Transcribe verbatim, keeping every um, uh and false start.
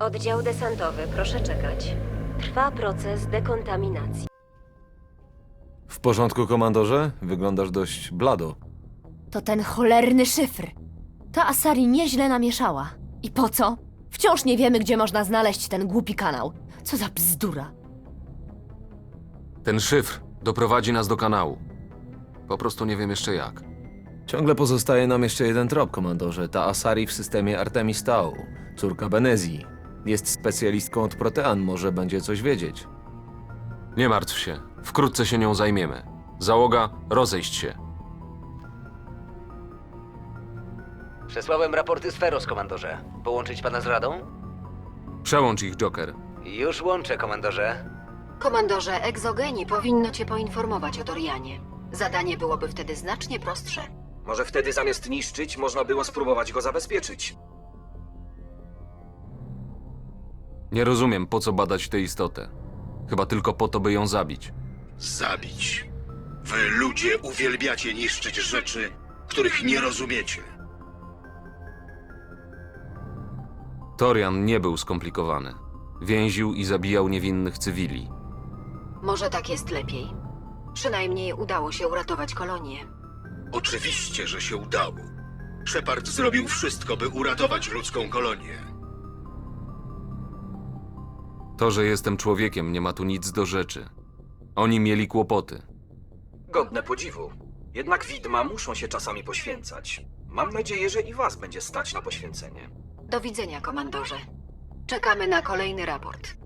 Oddział desantowy, proszę czekać. Trwa proces dekontaminacji. W porządku, komandorze? Wyglądasz dość blado. To ten cholerny szyfr. Ta Asari nieźle namieszała. I po co? Wciąż nie wiemy, gdzie można znaleźć ten głupi kanał. Co za bzdura. Ten szyfr doprowadzi nas do kanału. Po prostu nie wiem jeszcze jak. Ciągle pozostaje nam jeszcze jeden trop, komandorze. Ta Asari w systemie Artemis Tau, córka Benezji. Jest specjalistką od protean, może będzie coś wiedzieć. Nie martw się, wkrótce się nią zajmiemy. Załoga, rozejść się. Przesłałem raporty z Feros, komandorze. Połączyć pana z radą? Przełącz ich, Joker. Już łączę, komandorze. Komandorze, egzogeni powinno cię poinformować o Dorianie. Zadanie byłoby wtedy znacznie prostsze. Może wtedy zamiast niszczyć, można było spróbować go zabezpieczyć. Nie rozumiem, po co badać tę istotę. Chyba tylko po to, by ją zabić. Zabić. Wy ludzie uwielbiacie niszczyć rzeczy, których nie rozumiecie. Torian nie był skomplikowany. Więził i zabijał niewinnych cywili. Może tak jest lepiej. Przynajmniej udało się uratować kolonię. Oczywiście, że się udało. Shepard zrobił wszystko, by uratować ludzką kolonię. To, że jestem człowiekiem, nie ma tu nic do rzeczy. Oni mieli kłopoty. Godne podziwu. Jednak widma muszą się czasami poświęcać. Mam nadzieję, że i was będzie stać na poświęcenie. Do widzenia, komandorze. Czekamy na kolejny raport.